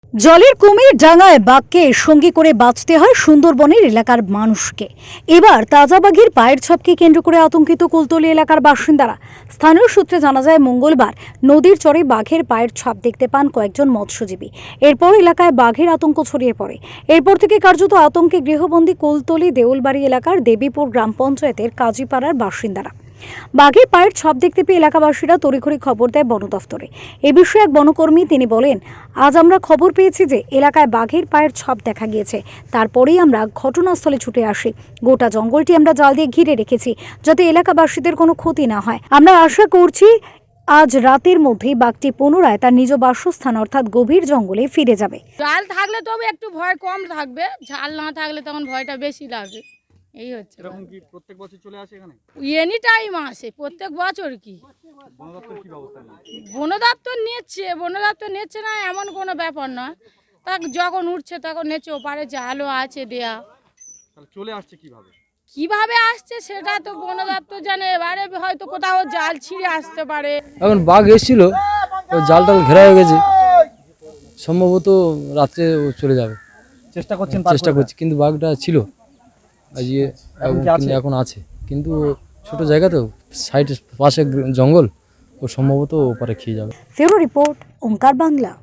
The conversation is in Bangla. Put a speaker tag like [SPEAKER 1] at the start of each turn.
[SPEAKER 1] জলের কুমির ডাঙায় বাঘকে সঙ্গী করে বাঁচতে হয় সুন্দরবনের এলাকার মানুষকে। এবার তাজা বাঘের পায়ের ছাপকে কেন্দ্র করে আতঙ্কিত কুলতলি এলাকার বাসিন্দারা। স্থানীয় সূত্রে জানা যায়, মঙ্গলবার নদীর চরে বাঘের পায়ের ছাপ দেখতে পান কয়েকজন মৎস্যজীবী। এরপর এলাকায় বাঘের আতঙ্ক ছড়িয়ে পড়ে। এরপর থেকে কার্যত আতঙ্কে গৃহবন্দী কুলতলি দেউলবাড়ি এলাকার দেবীপুর গ্রাম পঞ্চায়েতের কাজীপাড়ার বাসিন্দারা। বাঘের পায়ের ছাপ দেখতে পেয়ে এলাকাবাসীরা তড়িঘড়ি খবর দেয় বন দফতরে। এ বিষয়ে এক বনকর্মী তিনি বলেন, আজ আমরা খবর পেয়েছি যে এলাকায় বাঘের পায়ের ছাপ দেখা গিয়েছে। তারপরেই আমরা ঘটনাস্থলে ছুটে আসি। গোটা জঙ্গলটি আমরা জাল দিয়ে ঘিরে রেখেছি, যাতে এলাকাবাসীদের কোনো ক্ষতি না হয়। আমরা আশা করছি আজ রাতের মধ্যেই বাঘটি পুনরায় তার নিজ বাসস্থান অর্থাৎ গভীর জঙ্গলে ফিরে যাবে।
[SPEAKER 2] জাল থাকলে তবে একটু ভয় কম থাকবে, ঝাল না থাকলে তখন ভয়টা বেশি লাগবে। এই হচ্ছে
[SPEAKER 3] এরকম কি প্রত্যেক বছর চলে আসে এখানে?
[SPEAKER 2] এনি টাইম আসে, প্রত্যেক বছর কি।
[SPEAKER 3] বন দপ্তর কি ব্যবস্থা নিয়েছে?
[SPEAKER 2] বন দপ্তর নিচ্ছে না এমন কোনো ব্যাপার নয়। তা যখন উঠছে তখন নিচ্ছে, ওপারে জালও আছে দেয়া।
[SPEAKER 3] তাহলে চলে আসছে কিভাবে?
[SPEAKER 2] কিভাবে আসছে সেটা তো বন দপ্তর জানে। এবারে হয়তো কোথাও জাল ছিঁড়ে আসতে পারে।
[SPEAKER 4] এখন বাঘ এসেছিল, ওই জালটাল ঘেরা হয়ে গেছে, সম্ভবত রাত্রে ও চলে যাবে।
[SPEAKER 3] চেষ্টা করছেন?
[SPEAKER 4] চেষ্টা করছি, কিন্তু বাঘটা ছিল আজকে, কিন্তু এখন আছে, কিন্তু ছোট জায়গা তো, সাইডে পাশে জঙ্গল, ও সম্ভবত ওপারে খেয়ে যাবে।
[SPEAKER 1] ফেরো রিপোর্ট, ওঙ্কার বাংলা।